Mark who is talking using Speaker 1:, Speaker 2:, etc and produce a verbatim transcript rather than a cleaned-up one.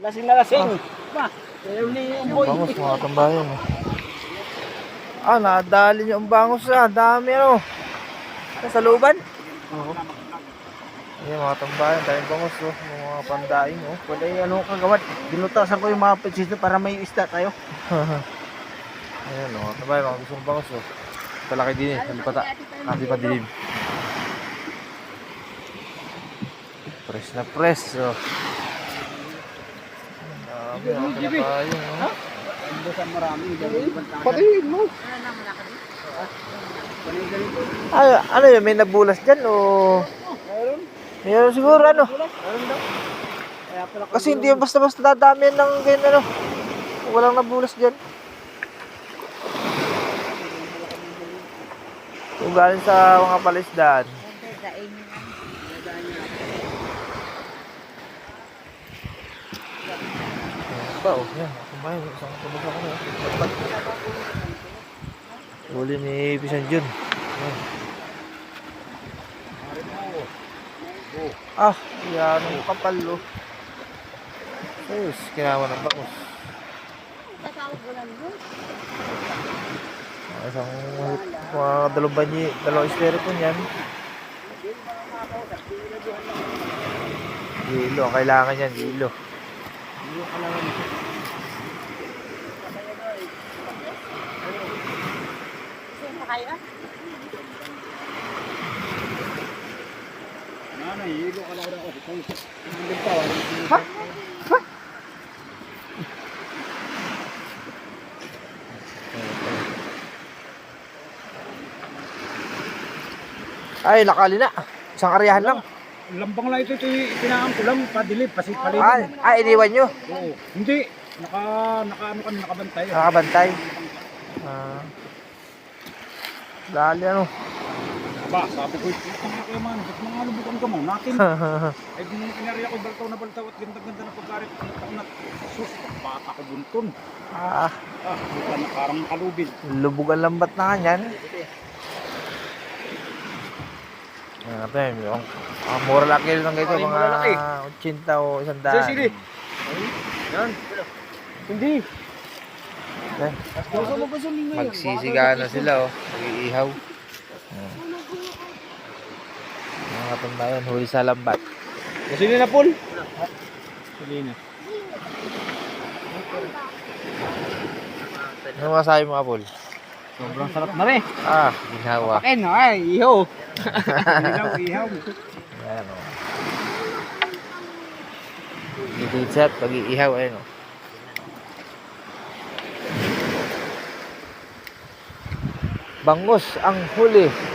Speaker 1: Lasing na lasing. Ma, ayaw ni yung boy.
Speaker 2: Bangus, mga tambayan. Oh. Ah, nadali niyo ang bangus ah. Dami ano. Sa looban?
Speaker 1: Oo.
Speaker 2: Ayan, mga tambayan. Daming bangus oh. Mga pandaing oh.
Speaker 1: Wala yung ano kagawad. Binutasan ko yung mga petsito para may isda tayo.
Speaker 2: Ayan oh, mga tambayan. Mga gusto ng bangus oh. Talaki din eh. Halipata. Kasi pa dilim. Press na press oh. Dami mga tambayan oh.
Speaker 1: Binutasan marami.
Speaker 2: Patiin mo. Ay, ano yun? May nabulas dyan o?
Speaker 1: Mayroon.
Speaker 2: Mayroon siguro ano?
Speaker 1: Mayroon daw. Kaya pala ko-
Speaker 2: Kasi hindi yung basta-basta dadami yan ng ganyan ano. Walang nabulas dyan. Kung galing sa mga palisdaan. Ayan pa oh. Yan. Kumain. Isang tulog ako na. Huli ni Pisan Jun. Ayan. Ah, yan ang kapal oh. Ayos, kinawa ng bangus. Ah, isang mga dalawang banyi, dalawang estero po niyan. Gilo, ang kailangan yan, gilo.
Speaker 1: Ano, hilo ka lang ako. Hindi pa.
Speaker 2: Ha? Ha? Ay, nakali na. Isang karyahan lang.
Speaker 1: Lambang lang ito. Ito pinaan ko lang. Padilip. Kasi palibig.
Speaker 2: Ay, ay iniwan nyo.
Speaker 1: Oo. Hindi. Naka, naka ano kami, nakabantay.
Speaker 2: Nakabantay. Ah. Dali ano.
Speaker 1: Ba, sabi ko, itang na kayo man. Ba't mga lubukan ka mo? Natin. Ay, di nung pinariya ko, baltaw na baltaw at ganda-ganda na pagkarit. Nat, sus, bata ko bunton.
Speaker 2: Ah,
Speaker 1: Ah, bukan na parang kalubin.
Speaker 2: lubog ang lambat na kanyan. Ah, pen, yung ang mura lang kilo ng ganito,
Speaker 1: Ay, mura
Speaker 2: mga
Speaker 1: laki.
Speaker 2: eighty o one
Speaker 1: Sige,
Speaker 2: hundred.
Speaker 1: sige. Yan. Hindi.
Speaker 2: Yan.
Speaker 1: Gusto mo gusto mo ngayon.
Speaker 2: Magsisigaan na sila oh. Mag-iihaw. Ah. Mga katambayan, huli sa lambat.
Speaker 1: Gusto niyo na, Paul? Sige na.
Speaker 2: Ano masabi mo, Apol?
Speaker 1: Sobrang sarap na rin.
Speaker 2: Ah, ginawa.
Speaker 1: Pakin, ay, iho. Ihaw, ihaw.
Speaker 2: Ayan o. Diditsat, pag-iihaw, ayun o. Bangus ang huli.